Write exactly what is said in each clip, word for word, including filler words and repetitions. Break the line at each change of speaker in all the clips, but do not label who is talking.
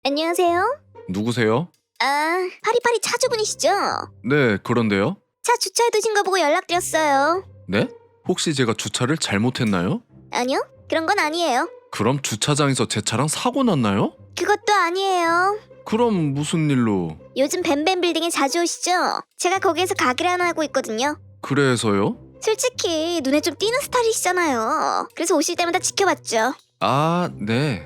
안녕하세요.
누구세요?
아, 파리파리 차주분이시죠?
네, 그런데요.
차 주차해두신 거 보고 연락드렸어요.
네? 혹시 제가 주차를 잘못했나요?
아니요, 그런 건 아니에요.
그럼 주차장에서 제 차랑 사고 났나요?
그것도 아니에요.
그럼 무슨 일로?
요즘 뱀뱀 빌딩에 자주 오시죠? 제가 거기에서 가게를 하나 하고 있거든요.
그래서요?
솔직히 눈에 좀 띄는 스타일이시잖아요. 그래서 오실 때마다 지켜봤죠.
아, 네.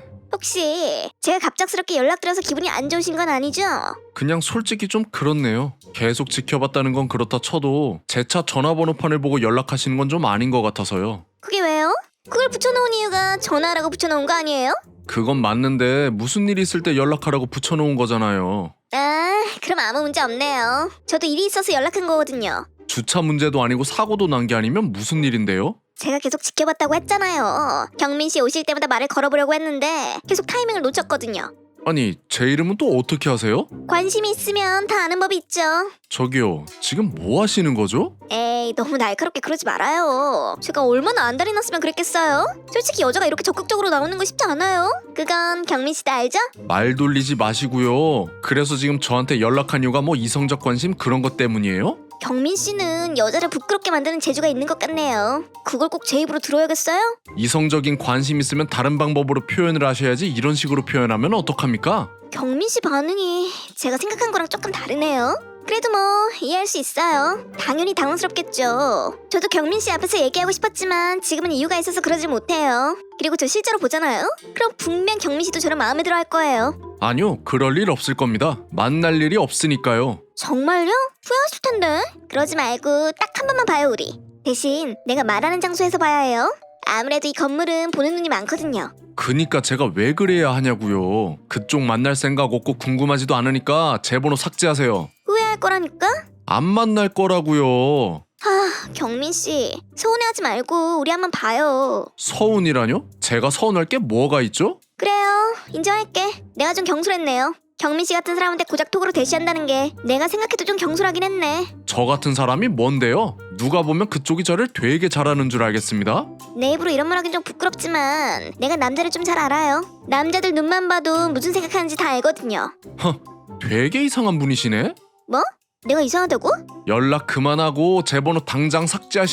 혹시 제가 갑작스럽게 연락드려서 기분이 안 좋으신 건 아니죠?
그냥 솔직히 좀 그렇네요. 계속 지켜봤다는 건 그렇다 쳐도 제 차 전화번호판을 보고 연락하시는 건 좀 아닌 것 같아서요.
그게 왜요? 그걸 붙여놓은 이유가 전화라고 붙여놓은 거 아니에요?
그건 맞는데 무슨 일 있을 때 연락하라고 붙여놓은 거잖아요.
아, 그럼 아무 문제 없네요. 저도 일이 있어서 연락한 거거든요.
주차 문제도 아니고 사고도 난 게 아니면 무슨 일인데요?
제가 계속 지켜봤다고 했잖아요. 경민 씨 오실 때마다 말을 걸어보려고 했는데 계속 타이밍을 놓쳤거든요.
아니, 제 이름은 또 어떻게 아세요?
관심이 있으면 다 아는 법이 있죠.
저기요, 지금 뭐 하시는 거죠?
에이, 너무 날카롭게 그러지 말아요. 제가 얼마나 안달이 났으면 그랬겠어요? 솔직히 여자가 이렇게 적극적으로 나오는 거 쉽지 않아요. 그건 경민 씨도 알죠?
말 돌리지 마시고요. 그래서 지금 저한테 연락한 이유가 뭐 이성적 관심 그런 것 때문이에요?
경민 씨는 여자를 부끄럽게 만드는 재주가 있는 것 같네요. 그걸 꼭 제 입으로 들어야겠어요?
이성적인 관심 있으면 다른 방법으로 표현을 하셔야지 이런 식으로 표현하면 어떡합니까?
경민 씨 반응이 제가 생각한 거랑 조금 다르네요. 그래도 뭐 이해할 수 있어요. 당연히 당황스럽겠죠. 저도 경민 씨 앞에서 얘기하고 싶었지만 지금은 이유가 있어서 그러질 못해요. 그리고 저 실제로 보잖아요. 그럼 분명 경민 씨도 저를 마음에 들어 할 거예요.
아니요, 그럴 일 없을 겁니다. 만날 일이 없으니까요.
정말요? 후회하실 텐데. 그러지 말고 딱 한 번만 봐요 우리. 대신 내가 말하는 장소에서 봐야 해요. 아무래도 이 건물은 보는 눈이 많거든요.
그니까 제가 왜 그래야 하냐고요. 그쪽 만날 생각 없고 궁금하지도 않으니까 제 번호 삭제하세요.
후회할 거라니까?
안 만날 거라고요.
하, 경민 씨 서운해하지 말고 우리 한번 봐요.
서운이라뇨? 제가 서운할 게 뭐가 있죠?
그래요. 인정할게. 내가 좀 경솔했네요. 경민 씨 같은 사람한테 고작 톡으로 대시한다는 게 내가 생각해도 좀 경솔하긴 했네.
저 같은 사람이 뭔데요? 누가 보면 그쪽이 저를 되게 잘하는 줄 알겠습니다.
내 입으로 이런 말 하긴 좀 부끄럽지만 내가 남자를 좀 잘 알아요. 남자들 눈만 봐도 무슨 생각하는지 다 알거든요.
허, 되게 이상한 분이시네?
뭐? 내가 이상하다고?
연락 그만하고 제 번호 당장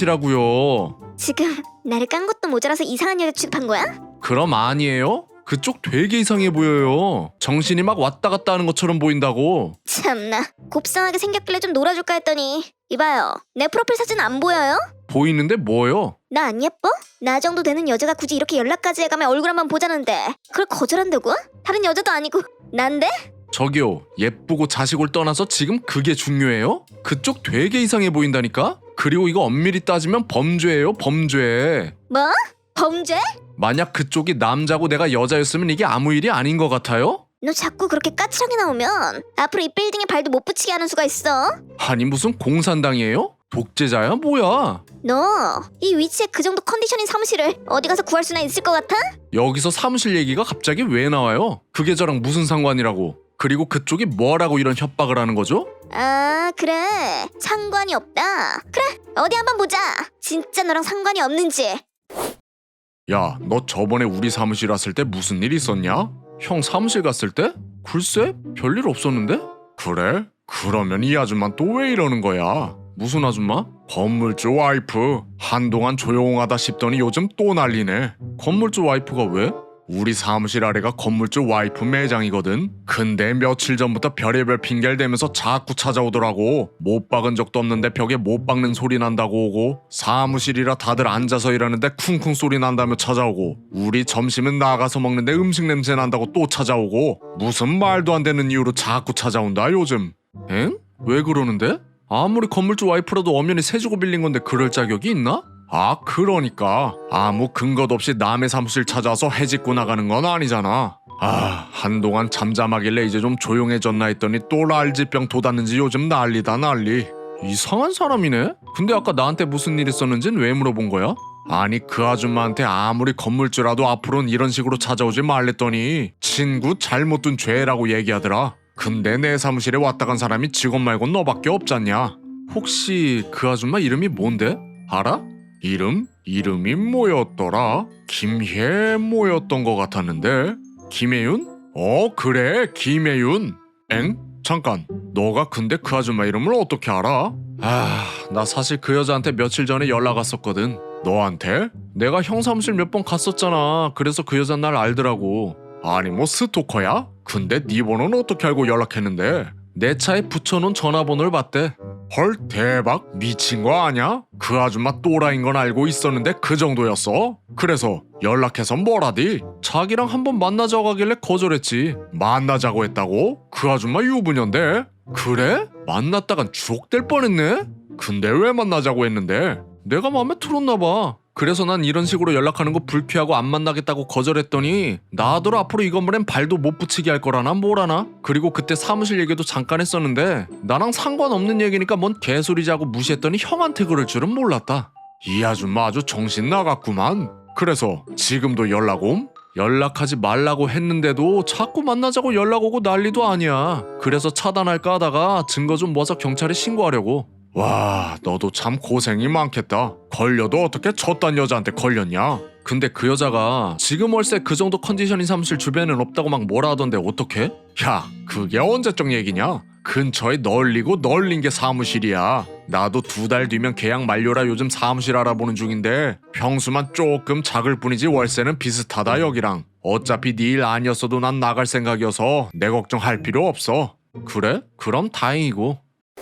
삭제하시라고요.
지금 나를 깐 것도 모자라서 이상한 여자 취급한 거야?
그럼 아니에요? 그쪽 되게 이상해 보여요. 정신이 막 왔다 갔다 하는 것처럼 보인다고.
참나 곱상하게 생겼길래 좀 놀아줄까 했더니 이봐요 내 프로필 사진 안 보여요?
보이는데 뭐요?
나 안 예뻐? 나 정도 되는 여자가 굳이 이렇게 연락까지 해가며 얼굴 한번 보자는데 그걸 거절한다고? 다른 여자도 아니고 난데?
저기요, 예쁘고 자식을 떠나서 지금 그게 중요해요? 그쪽 되게 이상해 보인다니까? 그리고 이거 엄밀히 따지면 범죄예요, 범죄.
뭐? 범죄?
만약 그쪽이 남자고 내가 여자였으면 이게 아무 일이 아닌 것 같아요?
너 자꾸 그렇게 까칠하게 나오면 앞으로 이 빌딩에 발도 못 붙이게 하는 수가 있어.
아니 무슨 공산당이에요? 독재자야 뭐야?
너 이 위치에 그 정도 컨디션인 사무실을 어디 가서 구할 수나 있을 것 같아?
여기서 사무실 얘기가 갑자기 왜 나와요? 그게 저랑 무슨 상관이라고? 그리고 그쪽이 뭐라고 이런 협박을 하는 거죠?
아 그래 상관이 없다. 그래 어디 한번 보자. 진짜 너랑 상관이 없는지.
야, 너 저번에 우리 사무실 왔을 때 무슨 일 있었냐? 형 사무실 갔을 때? 글쎄, 별일 없었는데? 그래? 그러면 이 아줌마 또 왜 이러는 거야? 무슨 아줌마? 건물주 와이프. 한동안 조용하다 싶더니 요즘 또 난리네. 건물주 와이프가 왜? 우리 사무실 아래가 건물주 와이프 매장이거든. 근데 며칠 전부터 별의별 핑계를 대면서 자꾸 찾아오더라고. 못 박은 적도 없는데 벽에 못 박는 소리 난다고 오고, 사무실이라 다들 앉아서 일하는데 쿵쿵 소리 난다며 찾아오고, 우리 점심은 나가서 먹는데 음식 냄새 난다고 또 찾아오고, 무슨 말도 안 되는 이유로 자꾸 찾아온다 요즘. 엥? 왜 그러는데? 아무리 건물주 와이프라도 엄연히 세 주고 빌린 건데 그럴 자격이 있나? 아, 그러니까 아무 근거도 없이 남의 사무실 찾아와서 해집고 나가는 건 아니잖아. 아, 한동안 잠잠하길래 이제 좀 조용해졌나 했더니 또 랄지병 돋았는지 요즘 난리다 난리. 이상한 사람이네? 근데 아까 나한테 무슨 일 있었는진 왜 물어본 거야? 아니 그 아줌마한테 아무리 건물주라도 앞으로는 이런 식으로 찾아오지 말랬더니 친구 잘못 둔 죄라고 얘기하더라. 근데 내 사무실에 왔다 간 사람이 직원 말고 너밖에 없잖냐. 혹시 그 아줌마 이름이 뭔데? 알아? 이름? 이름이 뭐였더라? 김혜 뭐였던 것 같았는데? 김혜윤? 어 그래 김혜윤. 엥? 잠깐 너가 근데 그 아줌마 이름을 어떻게 알아? 아 나 사실 그 여자한테 며칠 전에 연락 왔었거든. 너한테? 내가 형 사무실 몇 번 갔었잖아. 그래서 그 여자 날 알더라고. 아니 뭐 스토커야? 근데 네 번호는 어떻게 알고 연락했는데? 내 차에 붙여놓은 전화번호를 봤대. 헐 대박 미친 거 아냐? 그 아줌마 또라이인 건 알고 있었는데 그 정도였어? 그래서 연락해서 뭐라디? 자기랑 한번 만나자고 하길래 거절했지. 만나자고 했다고? 그 아줌마 유부녀인데? 그래? 만났다간 주옥될 뻔했네? 근데 왜 만나자고 했는데? 내가 마음에 들었나 봐. 그래서 난 이런 식으로 연락하는 거 불쾌하고 안 만나겠다고 거절했더니 나더러 앞으로 이 건물엔 발도 못 붙이게 할 거라나 뭐라나. 그리고 그때 사무실 얘기도 잠깐 했었는데 나랑 상관없는 얘기니까 뭔 개소리자고 무시했더니 형한테 그럴 줄은 몰랐다. 이 아줌마 아주 정신 나갔구만. 그래서 지금도 연락 옴? 연락하지 말라고 했는데도 자꾸 만나자고 연락 오고 난리도 아니야. 그래서 차단할까 하다가 증거 좀 모아서 경찰에 신고하려고. 와 너도 참 고생이 많겠다. 걸려도 어떻게 저딴 여자한테 걸렸냐? 근데 그 여자가 지금 월세 그 정도 컨디션인 사무실 주변엔 없다고 막 뭐라 하던데 어떡해? 야 그게 언제적 얘기냐? 근처에 널리고 널린 게 사무실이야. 나도 두 달 뒤면 계약 만료라 요즘 사무실 알아보는 중인데 평수만 조금 작을 뿐이지 월세는 비슷하다 여기랑. 어차피 네 일 아니었어도 난 나갈 생각이어서 내 걱정할 필요 없어. 그래? 그럼 다행이고.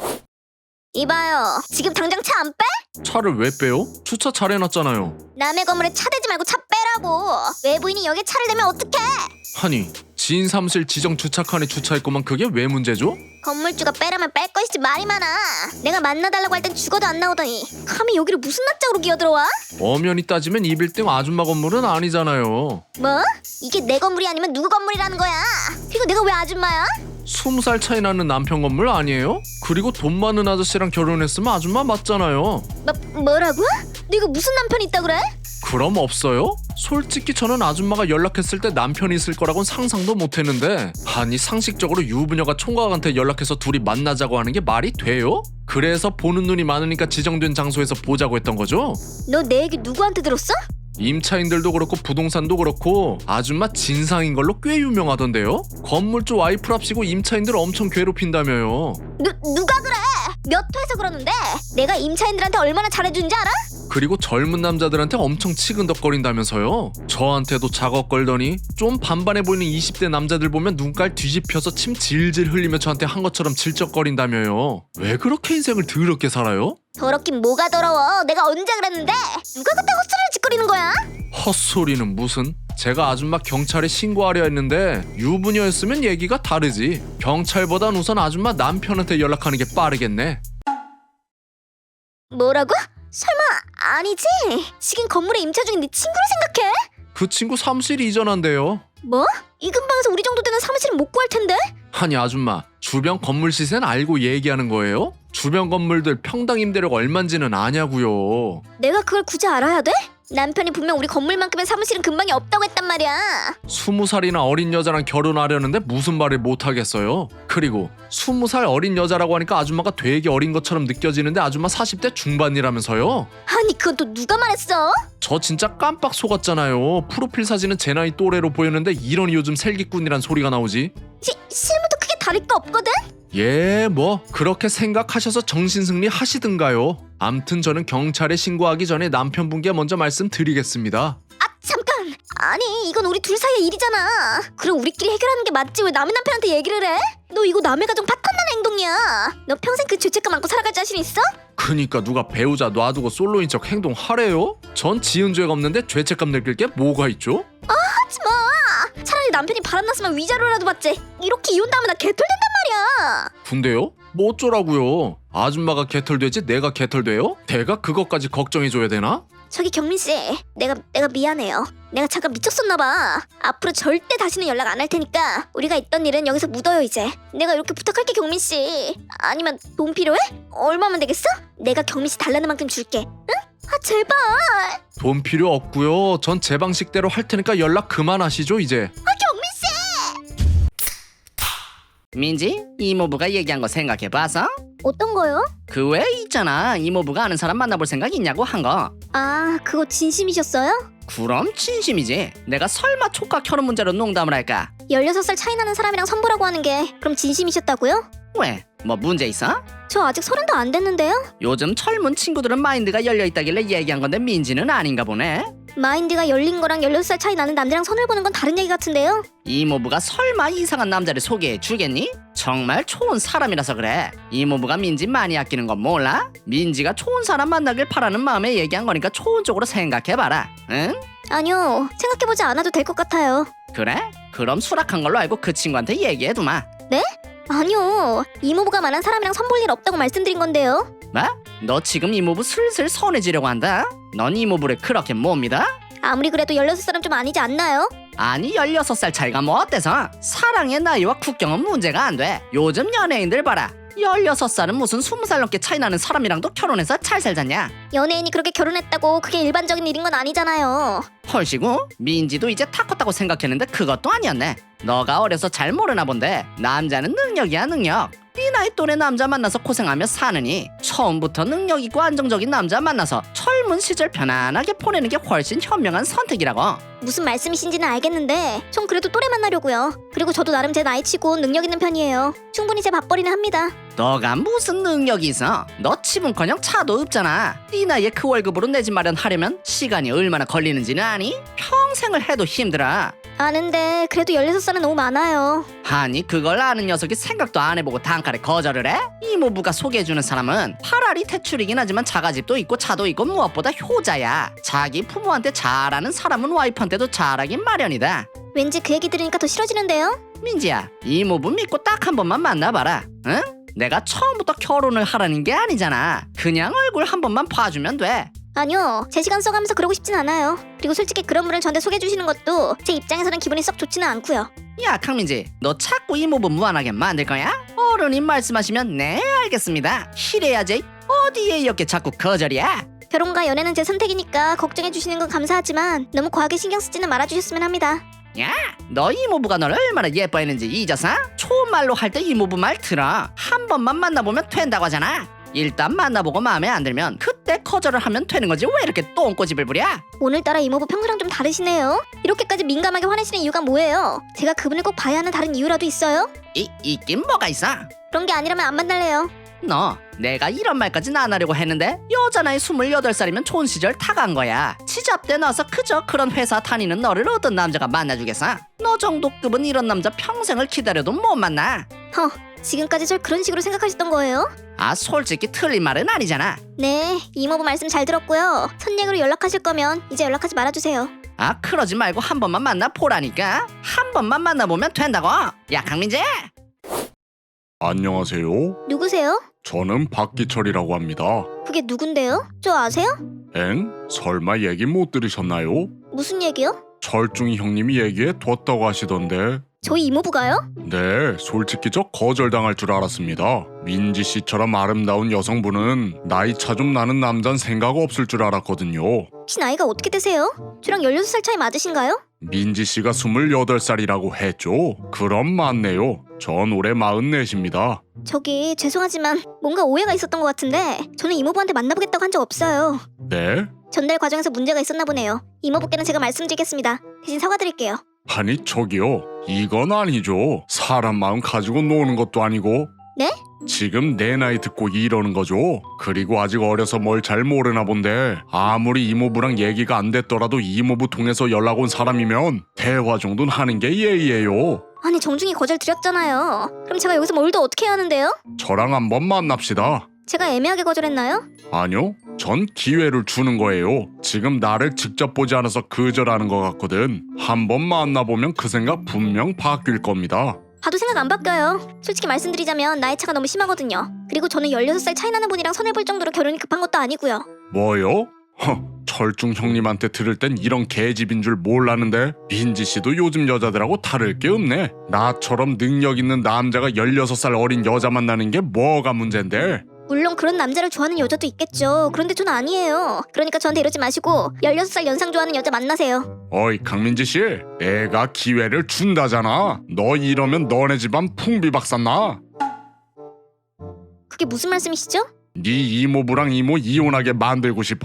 이봐요. 지금 당장 차 안 빼?
차를 왜 빼요? 주차 잘 해놨잖아요.
남의 건물에 차 대지 말고 차 빼라고. 외부인이 여기에 차를 대면 어떡해?
아니 지인 사무실 지정 주차칸에 주차했구만. 그게 왜 문제죠?
건물주가 빼라면 뺄 것이지 말이 많아. 내가 만나달라고 할 땐 죽어도 안 나오더니 감히 여기를 무슨 낯짝으로 기어들어와?
엄연히 따지면 이 빌딩 아줌마 건물은 아니잖아요.
뭐? 이게 내 건물이 아니면 누구 건물이라는 거야? 그리고 내가 왜 아줌마야?
스무 살 차이 나는 남편 건물 아니에요? 그리고 돈 많은 아저씨랑 결혼했으면 아줌마 맞잖아요.
뭐, 뭐라고? 네가 무슨 남편이 있다 그래?
그럼 없어요? 솔직히 저는 아줌마가 연락했을 때 남편이 있을 거라고는 상상도 못했는데 아니 상식적으로 유부녀가 총각한테 연락해서 둘이 만나자고 하는 게 말이 돼요? 그래서 보는 눈이 많으니까 지정된 장소에서 보자고 했던 거죠?
너 내 얘기 누구한테 들었어?
임차인들도 그렇고 부동산도 그렇고 아줌마 진상인 걸로 꽤 유명하던데요? 건물주 와이프랍시고 임차인들 엄청 괴롭힌다며요.
누, 누가 그래? 몇 회에서 그러는데 내가 임차인들한테 얼마나 잘해준지 알아?
그리고 젊은 남자들한테 엄청 치근덕거린다면서요. 저한테도 작업 걸더니 좀 반반해 보이는 이십 대 남자들 보면 눈깔 뒤집혀서 침 질질 흘리며 저한테 한 것처럼 질적거린다며요. 왜 그렇게 인생을 더럽게 살아요?
더럽긴 뭐가 더러워. 내가 언제 그랬는데? 누가 그때 헛소리를 짓거리는 거야?
헛소리는 무슨? 제가 아줌마 경찰에 신고하려 했는데 유부녀였으면 얘기가 다르지. 경찰보단 우선 아줌마 남편한테 연락하는 게 빠르겠네.
뭐라고? 설마 아니지? 지금 건물에 임차 중인 네 친구를 생각해?
그 친구 사무실 이전한대요.
뭐? 이 근방에서 우리 정도 되는 사무실은 못 구할 텐데?
아니 아줌마 주변 건물 시세는 알고 얘기하는 거예요? 주변 건물들 평당 임대료가 얼만지는 아냐고요.
내가 그걸 굳이 알아야 돼? 남편이 분명 우리 건물만큼의 사무실은 근방에 없다고 했단 말이야.
스무 살이나 어린 여자랑 결혼하려는데 무슨 말을 못하겠어요? 그리고 스무 살 어린 여자라고 하니까 아줌마가 되게 어린 것처럼 느껴지는데 아줌마 사십 대 중반이라면서요?
아니 그건 또 누가 말했어?
저 진짜 깜빡 속았잖아요. 프로필 사진은 제 나이 또래로 보였는데 이러니 요즘 살기꾼이란 소리가 나오지.
시, 실무도 크게 다를 거 없거든?
예, 뭐 그렇게 생각하셔서 정신승리 하시든가요. 암튼 저는 경찰에 신고하기 전에 남편분께 먼저 말씀드리겠습니다.
아 잠깐! 아니 이건 우리 둘 사이의 일이잖아. 그럼 우리끼리 해결하는 게 맞지 왜 남의 남편한테 얘기를 해? 너 이거 남의 가정 파탄나는 행동이야. 너 평생 그 죄책감 안고 살아갈 자신 있어?
그니까 누가 배우자 놔두고 솔로인 척 행동하래요? 전 지은 죄가 없는데 죄책감 느낄 게 뭐가 있죠?
하지마! 차라리 남편이 바람났으면 위자료라도 받지. 이렇게 이혼당하면 나 개털된단 말이야.
근데요? 뭐 어쩌라고요? 아줌마가 개털되지 내가 개털돼요? 내가 그것까지 걱정해줘야 되나?
저기 경민씨, 내가 내가 미안해요. 내가 잠깐 미쳤었나봐. 앞으로 절대 다시는 연락 안 할 테니까 우리가 있던 일은 여기서 묻어요 이제. 내가 이렇게 부탁할게 경민씨. 아니면 돈 필요해? 얼마면 되겠어? 내가 경민씨 달라는 만큼 줄게. 응? 아 제발.
돈 필요 없고요. 전 제 방식대로 할 테니까 연락 그만하시죠 이제.
아 경민씨!
민지, 이모부가 얘기한 거 생각해봐서?
어떤 거요?
그 외에 있잖아, 이모부가 아는 사람 만나볼 생각 있냐고 한 거.
아 그거 진심이셨어요?
그럼 진심이지. 내가 설마 촉각 결혼 문제로 농담을 할까?
열여섯 살 차이 나는 사람이랑 선보라고 하는 게 그럼 진심이셨다고요?
왜? 뭐 문제 있어?
저 아직 서른도 안 됐는데요?
요즘 젊은 친구들은 마인드가 열려있다길래 얘기한 건데 민지는 아닌가 보네.
마인드가 열린 거랑 열여섯 살 차이 나는 남자랑 손을 보는 건 다른 얘기 같은데요?
이모부가 설마 이상한 남자를 소개해 주겠니? 정말 좋은 사람이라서 그래. 이모부가 민지 많이 아끼는 건 몰라? 민지가 좋은 사람 만나길 바라는 마음에 얘기한 거니까 좋은 쪽으로 생각해봐라. 응?
아니요, 생각해보지 않아도 될 것 같아요.
그래? 그럼 수락한 걸로 알고 그 친구한테 얘기해두마.
아니요, 이모부가 말한 사람이랑 선볼 일 없다고 말씀드린 건데요.
뭐? 너 지금 이모부 슬슬 선해지려고 한다? 넌 이모부를 그렇게 못 믿어?
아무리 그래도 열여섯 살은 좀 아니지 않나요?
아니 열여섯 살 차이가 뭐 어때서? 사랑의 나이와 국경은 문제가 안 돼. 요즘 연예인들 봐라. 열여섯 살은 무슨 스무 살 넘게 차이 나는 사람이랑도 결혼해서 잘 살잖냐?
연예인이 그렇게 결혼했다고 그게 일반적인 일인 건 아니잖아요.
헐시구? 민지도 이제 타 컸다고 생각했는데 그것도 아니었네. 너가 어려서 잘 모르나 본데 남자는 능력이야 능력. 네 나이 또래 남자 만나서 고생하며 사느니 처음부터 능력 있고 안정적인 남자 만나서 젊은 시절 편안하게 보내는 게 훨씬 현명한 선택이라고.
무슨 말씀이신지는 알겠는데 전 그래도 또래 만나려고요. 그리고 저도 나름 제 나이치고 능력 있는 편이에요. 충분히 제 밥벌이는 합니다.
너가 무슨 능력이 있어? 너 집은커녕 차도 없잖아. 네 나이에 그 월급으로 내 집 마련하려면 시간이 얼마나 걸리는지는 아니? 평생을 해도 힘들어.
아는데 그래도 열여섯 살은 너무 많아요.
아니 그걸 아는 녀석이 생각도 안 해보고 단칼에 거절을 해? 이모부가 소개해주는 사람은 파라리 퇴출이긴 하지만 자가집도 있고 차도 있고 무엇보다 효자야. 자기 부모한테 잘하는 사람은 와이프한테도 잘하긴 마련이다.
왠지 그 얘기 들으니까 더 싫어지는데요?
민지야, 이모부 믿고 딱 한 번만 만나봐라. 응? 내가 처음부터 결혼을 하라는 게 아니잖아. 그냥 얼굴 한 번만 봐주면 돼.
아니요, 제 시간 써가면서 그러고 싶진 않아요. 그리고 솔직히 그런 분을 저한테 소개해주시는 것도 제 입장에서는 기분이 썩 좋지는 않고요.
야 강민지, 너 자꾸 이모부 무한하게 만들 거야? 어른이 말씀하시면 네 알겠습니다 이래야지. 어디에 이렇게 자꾸 거절이야?
결혼과 연애는 제 선택이니까 걱정해주시는 건 감사하지만 너무 과하게 신경 쓰지는 말아주셨으면 합니다.
야, 너 이모부가 널 얼마나 예뻐했는지 잊었어? 좋은 말로 할 때 이모부 말 들어. 한 번만 만나보면 된다고 하잖아. 일단 만나보고 마음에 안 들면 그때 거절을 하면 되는 거지 왜 이렇게 똥꼬집을 부려?
오늘따라 이모부 평소랑 좀 다르시네요. 이렇게까지 민감하게 화내시는 이유가 뭐예요? 제가 그분을 꼭 봐야 하는 다른 이유라도 있어요?
이, 있긴 뭐가 있어?
그런 게 아니라면 안 만날래요.
너 내가 이런 말까진 안 하려고 했는데 여자 나이 스물여덟 살이면 좋은 시절 다 간 거야. 지잡대 나서 그저 그런 회사 다니는 너를 어떤 남자가 만나주겠어? 너 정도 급은 이런 남자 평생을 기다려도 못 만나.
허, 지금까지 절 그런 식으로 생각하셨던 거예요?
아 솔직히 틀린 말은 아니잖아.
네, 이모부 말씀 잘 들었고요. 선얘기로 연락하실 거면 이제 연락하지 말아주세요.
아 그러지 말고 한 번만 만나보라니까. 한 번만 만나보면 된다고. 야 강민재.
안녕하세요.
누구세요?
저는 박기철이라고 합니다.
그게 누군데요? 저 아세요?
엥? 설마 얘기 못 들으셨나요?
무슨 얘기요?
철중이 형님이 얘기해 뒀다고 하시던데.
저희 이모부가요?
네, 솔직히 저 거절당할 줄 알았습니다. 민지 씨처럼 아름다운 여성분은 나이 차 좀 나는 남잔 생각 없을 줄 알았거든요.
혹시 나이가 어떻게 되세요? 저랑 열여섯 살 차이 맞으신가요?
민지 씨가 스물여덟 살이라고 했죠? 그럼 맞네요. 전 올해 마흔넷입니다.
저기 죄송하지만 뭔가 오해가 있었던 것 같은데 저는 이모부한테 만나보겠다고 한 적 없어요.
네?
전달 과정에서 문제가 있었나 보네요. 이모부께는 제가 말씀드리겠습니다. 대신 사과드릴게요.
아니 저기요. 이건 아니죠. 사람 마음 가지고 노는 것도 아니고.
네?
지금 내 나이 듣고 이러는 거죠? 그리고 아직 어려서 뭘 잘 모르나 본데 아무리 이모부랑 얘기가 안 됐더라도 이모부 통해서 연락 온 사람이면 대화 정도는 하는 게 예의예요.
아니 정중히 거절 드렸잖아요. 그럼 제가 여기서 뭘 더 어떻게 해야 하는데요?
저랑 한번 만납시다.
제가 애매하게 거절했나요?
아니요. 전 기회를 주는 거예요. 지금 나를 직접 보지 않아서 거절하는 것 같거든. 한번 만나보면 그 생각 분명 바뀔 겁니다.
봐도 생각 안 바뀌어요. 솔직히 말씀드리자면 나이 차가 너무 심하거든요. 그리고 저는 열여섯 살 차이 나는 분이랑 손을 볼 정도로 결혼이 급한 것도 아니고요.
뭐요? 허, 철중 형님한테 들을 땐 이런 계집인 줄 몰랐는데 민지 씨도 요즘 여자들하고 다를 게 없네. 나처럼 능력 있는 남자가 열여섯 살 어린 여자 만나는 게 뭐가 문제인데?
물론 그런 남자를 좋아하는 여자도 있겠죠. 그런데 저는 아니에요. 그러니까 저한테 이러지 마시고 열여섯 살 연상 좋아하는 여자 만나세요.
어이 강민지 씨, 내가 기회를 준다잖아. 너 이러면 너네 집안 풍비박산나.
그게 무슨 말씀이시죠?
네 이모부랑 이모 이혼하게 만들고 싶어?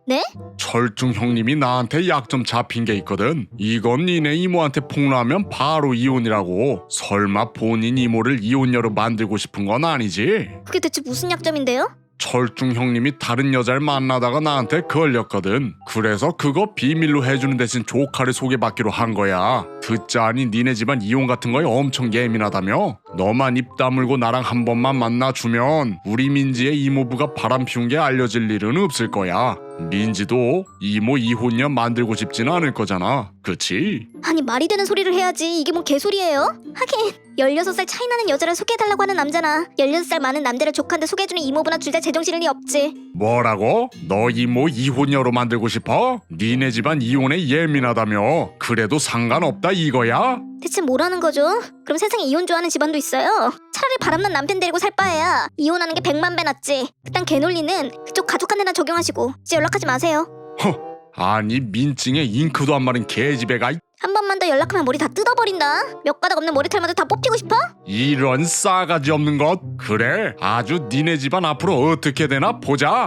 네?
철중 형님이 나한테 약 좀 잡힌 게 있거든. 이건 니네 이모한테 폭로하면 바로 이혼이라고. 설마 본인 이모를 이혼녀로 만들고 싶은 건 아니지?
그게 대체 무슨 약점인데요?
철중 형님이 다른 여자를 만나다가 나한테 걸렸거든. 그래서 그거 비밀로 해주는 대신 조카를 소개받기로 한 거야. 듣자니 니네 집안 이혼 같은 거에 엄청 예민하다며? 너만 입 다물고 나랑 한 번만 만나주면 우리 민지의 이모부가 바람 피운 게 알려질 일은 없을 거야. 민지도 이모 이혼녀 만들고 싶지는 않을 거잖아. 그치?
아니 말이 되는 소리를 해야지. 이게 뭐 개소리예요? 하긴 열여섯 살 차이 나는 여자를 소개해달라고 하는 남자나 열여섯 살 많은 남자를 조카한테 소개해주는 이모부나 둘 다 제정신일 리 없지.
뭐라고? 너 이모 이혼녀로 만들고 싶어? 니네 집안 이혼에 예민하다며? 그래도 상관없다 이거야?
대체 뭐라는 거죠? 그럼 세상에 이혼 좋아하는 집안도 있어요? 차라리 바람난 남편 데리고 살 바에야 이혼하는 게 백만 배 낫지. 그딴 개논리는 그쪽 가족한테나 적용하시고 이제 연락하지 마세요.
허, 아니 민증에 잉크도 안 마른 개집애가.
한 번만 더 연락하면 머리 다 뜯어버린다. 몇 가닥 없는 머리털마저 다 뽑히고 싶어?
이런 싸가지 없는 것. 그래, 아주 니네 집안 앞으로 어떻게 되나 보자.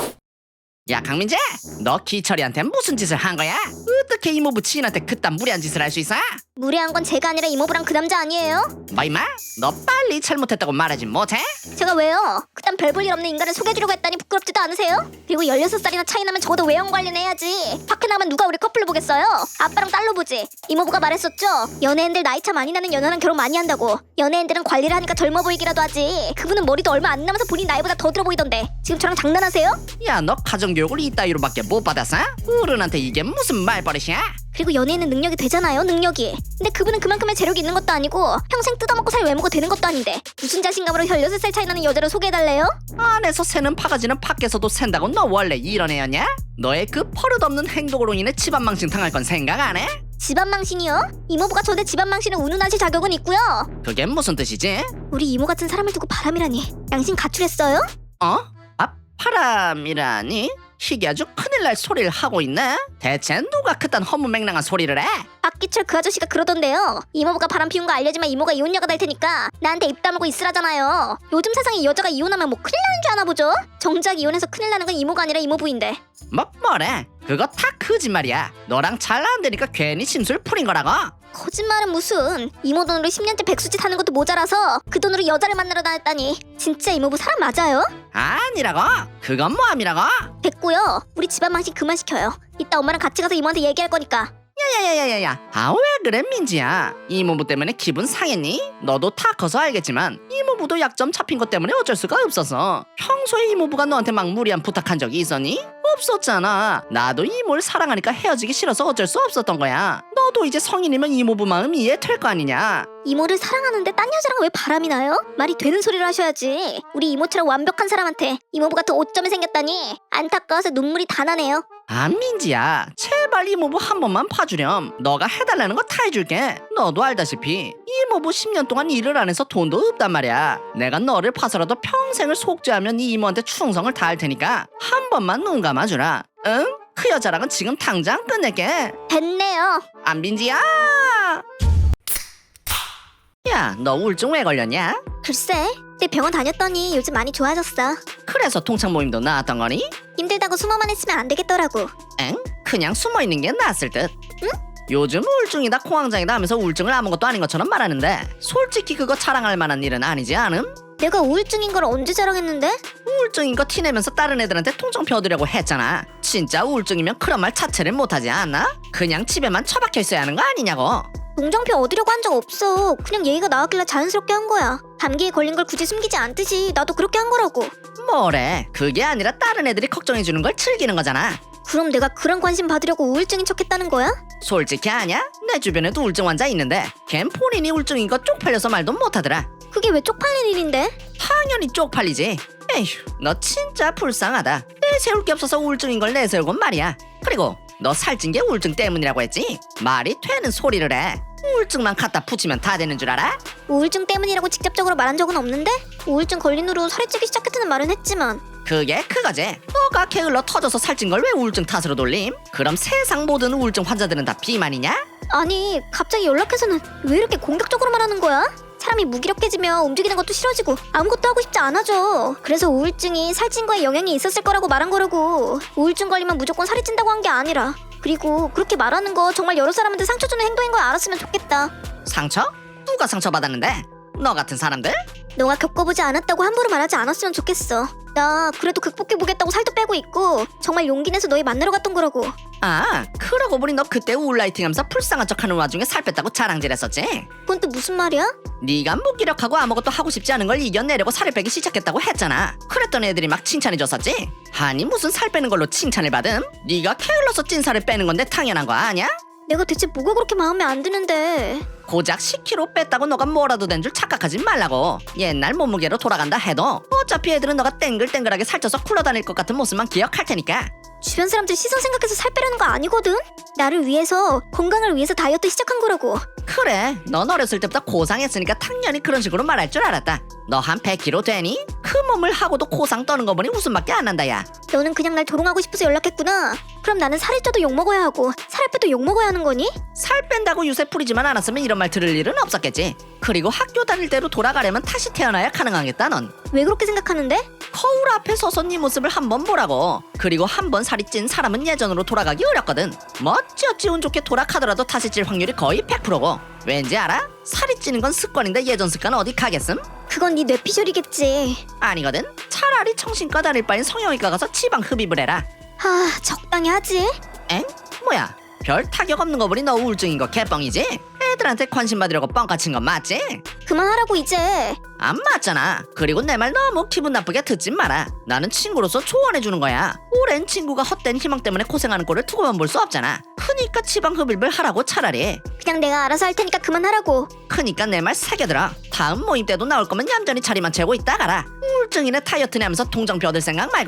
야 강민재, 너 기철이한테 무슨 짓을 한 거야? 어떻게 이모부 지인한테 그딴 무리한 짓을 할 수 있어?
무례한 건 제가 아니라 이모부랑 그 남자 아니에요?
뭐 임마? 너 빨리 잘못했다고 말하지 못해?
제가 왜요? 그딴 별 볼 일 없는 인간을 소개해주려고 했다니 부끄럽지도 않으세요? 그리고 열여섯 살이나 차이 나면 적어도 외형 관리해야지. 밖에 나가면 누가 우리 커플로 보겠어요? 아빠랑 딸로 보지. 이모부가 말했었죠? 연예인들 나이 차 많이 나는 연하랑 결혼 많이 한다고. 연예인들은 관리를 하니까 젊어 보이기라도 하지. 그분은 머리도 얼마 안 남아서 본인 나이보다 더 들어 보이던데 지금 저랑 장난하세요?
야 너 가정교육을 이따위로밖에 못 받았어? 어른한테 이게 무슨 말버릇이야?
그리고 연예인은 능력이 되잖아요, 능력이. 근데 그분은 그만큼의 재력이 있는 것도 아니고 평생 뜯어먹고 살 외모가 되는 것도 아닌데 무슨 자신감으로 열여섯 살 차이 나는 여자를 소개해달래요?
안에서 새는 바가지는 밖에서도 샌다고 너 원래 이런 애였냐? 너의 그 버릇없는 행동으로 인해 집안 망신 당할 건 생각 안 해?
집안 망신이요? 이모부가 저대 집안 망신을 운운하실 자격은 있고요.
그게 무슨 뜻이지?
우리 이모 같은 사람을 두고 바람이라니. 양심 가출했어요?
어? 아 바람이라니? 이게 아주 큰일 날 소리를 하고 있네? 대체 누가 그딴 허무맹랑한 소리를 해?
박기철 그 아저씨가 그러던데요. 이모부가 바람 피운 거 알려주면 이모가 이혼녀가 될 테니까 나한테 입 다물고 있으라잖아요. 요즘 세상에 여자가 이혼하면 뭐 큰일 나는 줄 아나 보죠? 정작 이혼해서 큰일 나는 건 이모가 아니라 이모부인데.
뭐 뭐래? 그거 다 거짓말이야. 너랑 잘 안 되니까 괜히 심술 풀인 거라고.
거짓말은 무슨. 이모 돈으로 십 년째 백수짓 하는 것도 모자라서 그 돈으로 여자를 만나러 다녔다니. 진짜 이모부 사람 맞아요?
아니라고? 그건 뭐함이라고?
됐고요. 우리 집안 망신 그만 시켜요. 이따 엄마랑 같이 가서 이모한테 얘기할 거니까.
야야야야야야. 아 왜 그래 민지야? 이모부 때문에 기분 상했니? 너도 다 커서 알겠지만 이모부도 약점 잡힌 것 때문에 어쩔 수가 없어서. 평소에 이모부가 너한테 막 무리한 부탁한 적이 있었니? 없었잖아. 나도 이모를 사랑하니까 헤어지기 싫어서 어쩔 수 없었던 거야. 너도 이제 성인이면 이모부 마음 이해될 거 아니냐?
이모를 사랑하는데 딴 여자랑 왜 바람이 나요? 말이 되는 소리를 하셔야지. 우리 이모처럼 완벽한 사람한테 이모부 같은 오점이 생겼다니. 안타까워서 눈물이 다 나네요.
아 민지야 제발 이모부 한 번만 봐주렴. 너가 해달라는 거 다 해줄게. 너도 알다시피 이모부 십 년 동안 일을 안 해서 돈도 없단 말이야. 내가 너를 봐서라도 평생을 속죄하면 네 이모한테 충성을 다할 테니까 한 번만 눈 감아주라. 응? 그 여자랑은 지금 당장 끝낼게.
됐네요.
안 민지야. 야 너 우울증 왜 걸렸냐?
글쎄, 내 병원 다녔더니 요즘 많이 좋아졌어.
그래서 동창 모임도 나왔던 거니?
힘들다고 숨어만 있으면 안 되겠더라고.
엥? 그냥 숨어있는 게 낫을 듯.
응?
요즘 우울증이다 공황장애다 하면서 우울증을 아무것도 아닌 것처럼 말하는데 솔직히 그거 자랑할 만한 일은 아니지 않음?
내가 우울증인 걸 언제 자랑했는데?
우울증인 거 티내면서 다른 애들한테 통정 펴두려고 했잖아. 진짜 우울증이면 그런 말 자체를 못하지 않나? 그냥 집에만 처박혀 있어야 하는 거 아니냐고.
동정표 얻으려고 한 적 없어. 그냥 얘기가 나왔길래 자연스럽게 한 거야. 감기에 걸린 걸 굳이 숨기지 않듯이 나도 그렇게 한 거라고.
뭐래? 그게 아니라 다른 애들이 걱정해주는 걸 즐기는 거잖아.
그럼 내가 그런 관심 받으려고 우울증인 척했다는 거야?
솔직히 아냐? 내 주변에도 우울증 환자 있는데 걘 본인이 우울증인 거 쪽팔려서 말도 못하더라.
그게 왜 쪽팔린 일인데?
당연히 쪽팔리지. 에휴 너 진짜 불쌍하다. 내세울 게 없어서 우울증인 걸 내세우곤 말이야. 그리고 너 살찐 게 우울증 때문이라고 했지? 말이 되는 소리를 해. 우울증만 갖다 붙이면 다 되는 줄 알아?
우울증 때문이라고 직접적으로 말한 적은 없는데? 우울증 걸린 후로 살이 찌기 시작했다는 말은 했지만.
그게 그거지. 너가 게을러 터져서 살찐 걸 왜 우울증 탓으로 돌림? 그럼 세상 모든 우울증 환자들은 다 비만이냐?
아니, 갑자기 연락해서는 왜 이렇게 공격적으로 말하는 거야? 사람이 무기력해지며 움직이는 것도 싫어지고 아무것도 하고 싶지 않아져. 그래서 우울증이 살찐 거에 영향이 있었을 거라고 말한 거라고. 우울증 걸리면 무조건 살이 찐다고 한 게 아니라. 그리고 그렇게 말하는 거 정말 여러 사람한테 상처 주는 행동인 걸 알았으면 좋겠다.
상처? 누가 상처받았는데? 너 같은 사람들?
너가 겪어보지 않았다고 함부로 말하지 않았으면 좋겠어. 나 그래도 극복해보겠다고 살도 빼고 있고 정말 용기 내서 너희 만나러 갔던 거라고.
아, 그러고 보니 너 그때 우울라이팅하면서 불쌍한 척하는 와중에 살 뺐다고 자랑질했었지?
그건 또 무슨 말이야?
네가 무기력하고 아무것도 하고 싶지 않은 걸 이겨내려고 살을 빼기 시작했다고 했잖아. 그랬던 애들이 막 칭찬해줬었지? 아니 무슨 살 빼는 걸로 칭찬을 받음? 네가 게을러서 찐 살을 빼는 건데 당연한 거 아니야?
내가 대체 뭐가 그렇게 마음에 안 드는데.
고작 십 킬로그램 뺐다고 너가 뭐라도 된 줄 착각하지 말라고. 옛날 몸무게로 돌아간다 해도 어차피 애들은 너가 땡글땡글하게 살쪄서 굴러다닐 것 같은 모습만 기억할 테니까.
주변 사람들 시선 생각해서 살 빼려는 거 아니거든? 나를 위해서, 건강을 위해서 다이어트 시작한 거라고.
그래, 넌 어렸을 때부터 고상했으니까 당연히 그런 식으로 말할 줄 알았다. 너 한 백 킬로그램 되니? 그 몸을 하고도 고상 떠는 거 보니 웃음밖에 안 난다 야.
너는 그냥 날 조롱하고 싶어서 연락했구나. 그럼 나는 살을 쪄도 욕먹어야 하고 살을 빼도 욕먹어야 하는 거니?
살 뺀다고 유세 뿌리지만 않았으면 이런 말 들을 일은 없었겠지. 그리고 학교 다닐 때로 돌아가려면 다시 태어나야 가능하겠다 넌.
왜 그렇게 생각하는데?
거울 앞에 서서 네 모습을 한번 보라고. 그리고 한 번 살이 찐 사람은 예전으로 돌아가기 어렵거든. 뭐 어찌어찌 운 좋게 돌아가더라도 다시 찔 확률이 거의 백 퍼센트고. 왠지 알아? 살이 찌는 건 습관인데 예전 습관 어디 가겠음?
그건 네 뇌피셜이겠지.
아니거든. 차라리 정신과 다닐 바엔 성형외과 가서 지방 흡입을 해라.
하, 적당히 하지.
엥? 뭐야? 별 타격 없는 거 보니 너 우울증인 거 개뻥이지? 애들한테 관심 받으려고 뻥까친 건 맞지?
그만하라고 이제.
안 맞잖아. 그리고 내 말 너무 기분 나쁘게 듣지 마라. 나는 친구로서 조언해주는 거야. 오랜 친구가 헛된 희망 때문에 고생하는 꼴을 두고만 볼 수 없잖아. 크니까 지방 흡입을 하라고 차라리.
그냥 내가 알아서 할 테니까 그만하라고.
크니까 내 말 새겨들어. 다음 모임 때도 나올 거면 얌전히 자리만 채우고 있다 가라. 우울증이네 다이어트네 하면서 동정표 얻을 생각 말고.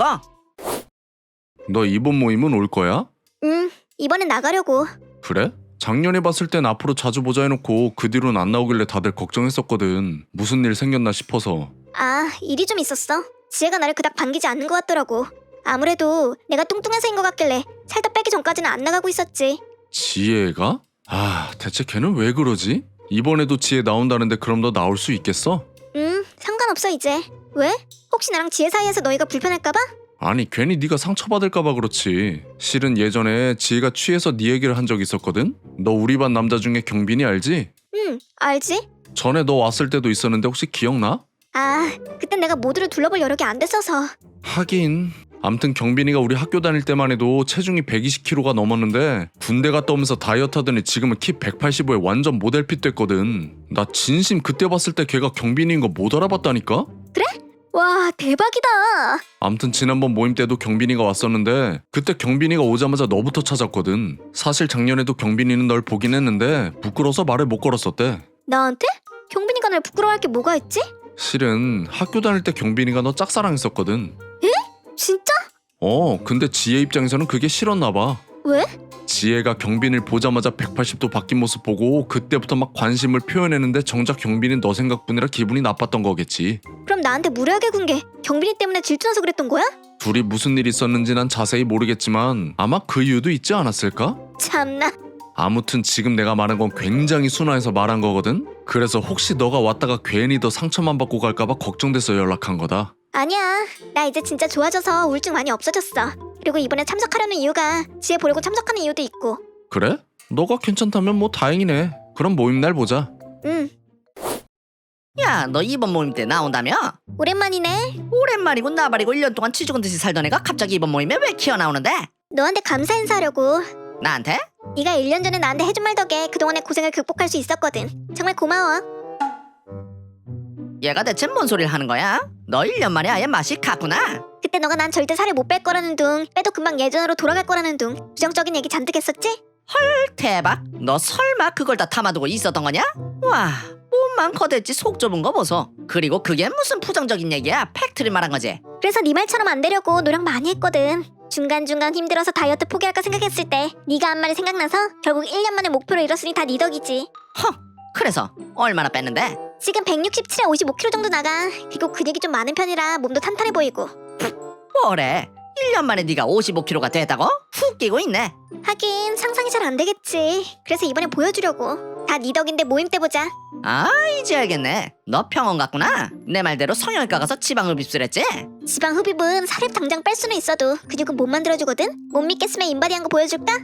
너 이번 모임은 올 거야?
응, 이번엔 나가려고.
그래? 작년에 봤을 땐 앞으로 자주 보자 해놓고 그 뒤로는 안 나오길래 다들 걱정했었거든. 무슨 일 생겼나 싶어서.
아, 일이 좀 있었어. 지혜가 나를 그닥 반기지 않는 것 같더라고. 아무래도 내가 뚱뚱해서인 것 같길래 살다 빼기 전까지는 안 나가고 있었지.
지혜가? 아, 대체 걔는 왜 그러지? 이번에도 지혜 나온다는데 그럼 너 나올 수 있겠어?
응, 상관없어 이제. 왜? 혹시 나랑 지혜 사이에서 너희가 불편할까봐?
아니 괜히 네가 상처받을까봐 그렇지. 실은 예전에 지혜가 취해서 네 얘기를 한 적 있었거든? 너 우리 반 남자 중에 경빈이 알지?
응, 알지?
전에 너 왔을 때도 있었는데 혹시 기억나?
아, 그땐 내가 모두를 둘러볼 여력이 안 됐어서.
하긴. 암튼 경빈이가 우리 학교 다닐 때만 해도 체중이 백이십 킬로그램가 넘었는데 군대 갔다 오면서 다이어트 하더니 지금은 키 백팔십오에 완전 모델핏 됐거든. 나 진심 그때 봤을 때 걔가 경빈이인 거 못 알아봤다니까?
그래? 와, 대박이다.
암튼 지난번 모임 때도 경빈이가 왔었는데 그때 경빈이가 오자마자 너부터 찾았거든. 사실 작년에도 경빈이는 널 보긴 했는데 부끄러워서 말을 못 걸었었대.
나한테? 경빈이가 날 부끄러워할 게 뭐가 있지?
실은 학교 다닐 때 경빈이가 너 짝사랑했었거든.
진짜?
어, 근데 지혜 입장에서는 그게 싫었나 봐.
왜?
지혜가 경빈이를 보자마자 백팔십 도 바뀐 모습 보고 그때부터 막 관심을 표현했는데 정작 경빈이는 너 생각뿐이라 기분이 나빴던 거겠지.
그럼 나한테 무례하게 군 게 경빈이 때문에 질투나서 그랬던 거야?
둘이 무슨 일이 있었는지 난 자세히 모르겠지만 아마 그 이유도 있지 않았을까?
참나.
아무튼 지금 내가 말한 건 굉장히 순화해서 말한 거거든? 그래서 혹시 너가 왔다가 괜히 더 상처만 받고 갈까봐 걱정돼서 연락한 거다.
아니야, 나 이제 진짜 좋아져서 우울증 많이 없어졌어. 그리고 이번에 참석하려는 이유가 지혜 보려고 참석하는 이유도 있고.
그래? 너가 괜찮다면 뭐 다행이네. 그럼 모임 날 보자.
응,
야, 너 이번 모임 때 나온다며?
오랜만이네.
오랜만이고 나발이고 일 년 동안 쥐 죽은 듯이 살던 애가 갑자기 이번 모임에 왜 튀어나오는데?
너한테 감사 인사하려고.
나한테?
네가 일 년 전에 나한테 해준 말 덕에 그동안의 고생을 극복할 수 있었거든. 정말 고마워.
얘가 대체 뭔 소리를 하는 거야? 너 일 년 만에 아예 맛이 갔구나.
그때 너가 난 절대 살을 못 뺄 거라는 둥, 빼도 금방 예전으로 돌아갈 거라는 둥, 부정적인 얘기 잔뜩 했었지?
대박. 너 설마 그걸 다 담아두고 있었던 거냐? 와, 몸만 커댔지 속 좁은 거 보소. 그리고 그게 무슨 부정적인 얘기야? 팩트를 말한 거지.
그래서 네 말처럼 안 되려고 노력 많이 했거든. 중간중간 힘들어서 다이어트 포기할까 생각했을 때 네가 한 말이 생각나서 결국 일 년 만에 목표를 이뤘으니 다 네 덕이지.
허, 그래서 얼마나 뺐는데?
지금 백육십칠에 오십오 킬로그램 정도 나가. 그리고 근육이 좀 많은 편이라 몸도 탄탄해 보이고.
뭐래? 일 년 만에 네가 오십오 킬로그램가 됐다고? 훅 끼고 있네.
하긴 상상이 잘 안 되겠지. 그래서 이번에 보여주려고. 다 네 덕인데 모임 때 보자.
아 이제 알겠네. 너 병원 갔구나. 내 말대로 성형외과 가서 지방흡입술했지?
지방 흡입은 살을 당장 뺄 수는 있어도 근육은 못 만들어주거든. 못 믿겠으면 인바디한 거 보여줄까?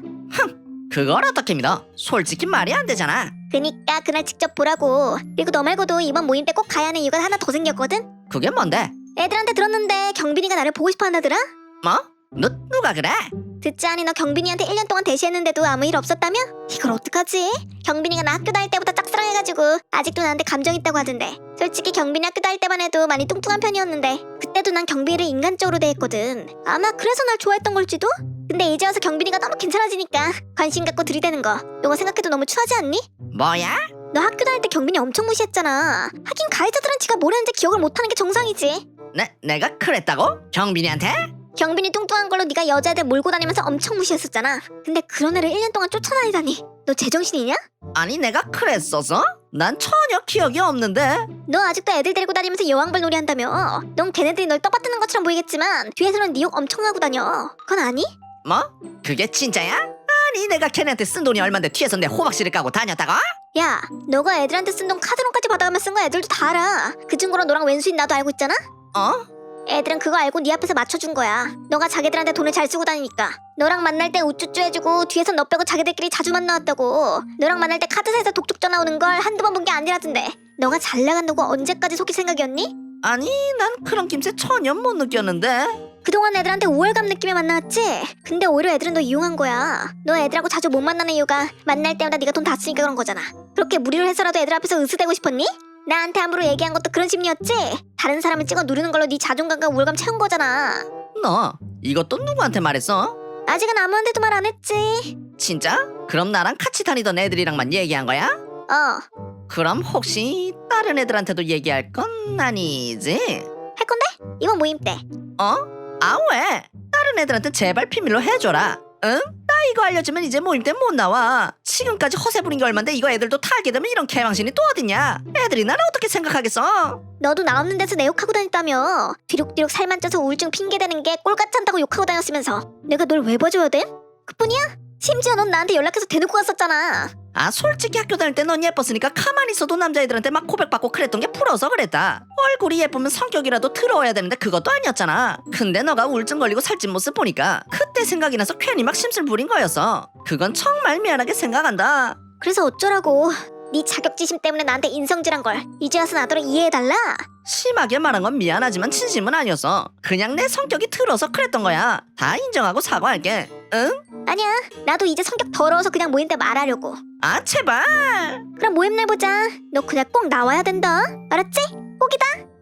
그걸 어떻게 믿어? 솔직히 말이 안 되잖아.
그니까 그날 직접 보라고. 그리고 너 말고도 이번 모임 때 꼭 가야 하는 이유가 하나 더 생겼거든.
그게 뭔데?
애들한테 들었는데 경빈이가 나를 보고 싶어 한다더라.
뭐? 너 누가 그래?
듣지 않니 너 경빈이한테 일 년 동안 대시했는데도 아무 일 없었다며? 이걸 어떡하지? 경빈이가 나 학교 다닐 때부터 짝사랑해가지고 아직도 나한테 감정 있다고 하던데. 솔직히 경빈이 학교 다닐 때만 해도 많이 뚱뚱한 편이었는데 그때도 난 경빈이를 인간적으로 대했거든. 아마 그래서 날 좋아했던 걸지도? 근데 이제 와서 경빈이가 너무 괜찮아지니까 관심 갖고 들이대는 거 이거 생각해도 너무 추하지 않니?
뭐야?
너 학교 다닐 때 경빈이 엄청 무시했잖아. 하긴 가해자들은 지가 뭘 했는지 기억을 못하는 게 정상이지.
내, 내가 그랬다고? 경빈이한테?
경빈이 뚱뚱한 걸로 네가 여자애들 몰고 다니면서 엄청 무시했었잖아. 근데 그런 애를 일 년 동안 쫓아다니다니 너 제정신이냐?
아니 내가 그랬었어? 난 전혀 기억이 없는데.
너 아직도 애들 데리고 다니면서 여왕벌 놀이 한다며. 넌 걔네들이 널 떠받드는 것처럼 보이겠지만 뒤에서는 네 욕 엄청 하고 다녀. 그건 아니?
뭐? 그게 진짜야? 아니 내가 걔네한테 쓴 돈이 얼만데 뒤에서 내 호박씨를 까고 다녔다고?
야, 너가 애들한테 쓴 돈 카드론까지 받아가며 쓴 거 애들도 다 알아. 그 친구랑 너랑 왼수인 나도 알고 있잖아?
어?
애들은 그거 알고 네 앞에서 맞춰준 거야. 너가 자기들한테 돈을 잘 쓰고 다니니까. 너랑 만날 때 우쭈쭈 해주고 뒤에서 너 빼고 자기들끼리 자주 만나왔다고. 너랑 만날 때 카드사에서 독촉 전화 오는 걸 한두 번 본 게 아니라던데. 너가 잘 나간다고 언제까지 속일 생각이었니?
아니 난 그런 낌새 전혀 못 느꼈는데.
그동안 애들한테 우월감 느끼며 만나왔지? 근데 오히려 애들은 너 이용한 거야. 너 애들하고 자주 못 만나는 이유가 만날 때마다 네가 돈 다 쓰니까 그런 거잖아. 그렇게 무리를 해서라도 애들 앞에서 으스대고 싶었니? 나한테 함부로 얘기한 것도 그런 심리였지? 다른 사람을 찍어 누르는 걸로 네 자존감과 우월감 채운 거잖아.
너 이것도 누구한테 말했어?
아직은 아무한테도 말 안 했지.
진짜? 그럼 나랑 같이 다니던 애들이랑만 얘기한 거야?
어,
그럼 혹시 다른 애들한테도 얘기할 건 아니지?
할 건데? 이번 모임 때.
어? 아 왜? 다른 애들한테 제발 비밀로 해줘라. 응? 나 이거 알려주면 이제 모임 때 못 나와. 지금까지 허세 부린 게 얼만데 이거 애들도 다 알게 되면 이런 개망신이 또 어딨냐? 애들이 나를 어떻게 생각하겠어?
너도 나 없는 데서 내 욕하고 다녔다며. 뒤룩뒤룩 살만 쪄서 우울증 핑계대는 게 꼴같이 한다고 욕하고 다녔으면서 내가 널 왜 봐줘야 돼? 그뿐이야? 심지어 넌 나한테 연락해서 대놓고 갔었잖아.
아 솔직히 학교 다닐 때 넌 예뻤으니까 가만히 있어도 남자애들한테 막 고백받고 그랬던 게 부러워서 그랬다. 얼굴이 예쁘면 성격이라도 더러워야 되는데 그것도 아니었잖아. 근데 너가 우울증 걸리고 살찐 모습 보니까 그때 생각이 나서 괜히 막 심술 부린 거였어. 그건 정말 미안하게 생각한다.
그래서 어쩌라고. 네 자격지심 때문에 나한테 인성질한 걸 이제 와서 나더러 이해해달라?
심하게 말한 건 미안하지만 진심은 아니었어. 그냥 내 성격이 들어서 그랬던 거야. 다 인정하고 사과할게. 응?
아니야, 나도 이제 성격 더러워서 그냥 모임 때 말하려고.
아 제발.
그럼 모임날 보자. 너 그냥 꼭 나와야 된다. 알았지? 꼭이다.